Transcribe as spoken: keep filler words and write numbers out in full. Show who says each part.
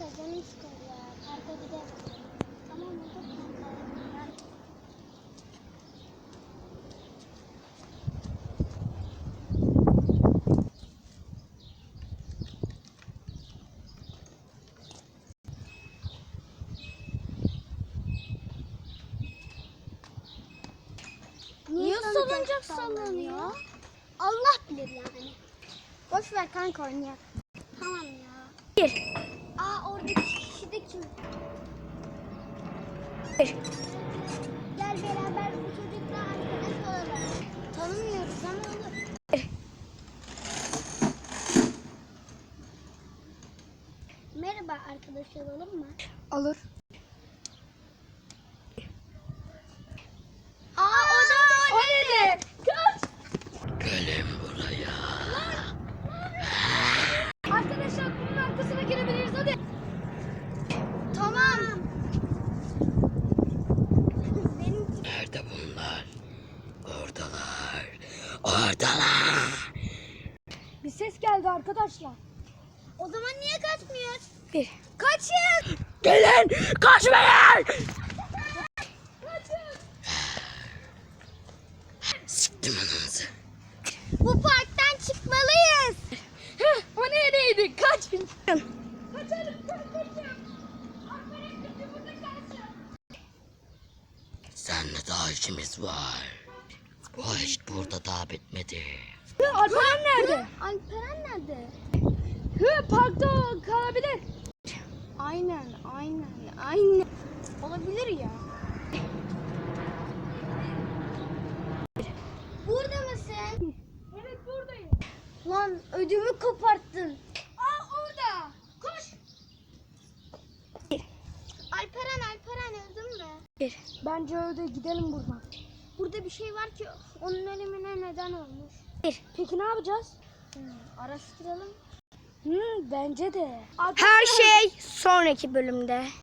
Speaker 1: canım sıkıldı ya. Parka gidelim. Tamam mı? Çok güzel. Niye salıncak sallanıyor? Allah bilir yani. Boş ver kanka oynayalım. Tamam ya.
Speaker 2: Bir.
Speaker 1: Aa oradaki kişi de kim?
Speaker 2: Bir.
Speaker 1: Gel beraber bu çocukla arkadaş olalım. Tanımıyoruz ama olur.
Speaker 2: Bir.
Speaker 1: Merhaba arkadaş olalım mı?
Speaker 2: Olur.
Speaker 1: Aa o da
Speaker 2: O nedir? Kaç.
Speaker 3: Gelin buraya.
Speaker 2: Arkadaşlar bunun arkasına girebiliriz hadi.
Speaker 1: Tamam. Benim
Speaker 3: Nerede bunlar? Oradalar. Oradalar.
Speaker 2: Bir ses geldi arkadaşlar.
Speaker 1: o zaman niye kaçmıyoruz?
Speaker 2: Bir.
Speaker 1: Kaçın.
Speaker 3: Gelin kaçmayın. Siktim ananızı.
Speaker 1: Bu parktan çıkmalıyız.
Speaker 2: Heh, o neredeydi? Kaçın.
Speaker 3: Seninle daha işimiz var. O iş burada daha bitmedi.
Speaker 2: Hı, Alperen nerede?
Speaker 1: Alperen nerede?
Speaker 2: Hı, parkta o kalabilir.
Speaker 1: Aynen, aynen, aynen.
Speaker 2: Olabilir ya.
Speaker 1: Burada mısın?
Speaker 2: Evet buradayım.
Speaker 1: Lan ödümü koparttın.
Speaker 2: Aa orada. Koş.
Speaker 1: Alperen, Alperen öldün mü?
Speaker 2: Bir. Bence öyle gidelim buradan.
Speaker 1: Burada bir şey var ki onun ölümüne neden olmuş.
Speaker 2: Bir. Peki ne yapacağız?
Speaker 1: Hmm, araştıralım.
Speaker 2: Hı, bence de.
Speaker 4: Her şey sonraki bölümde.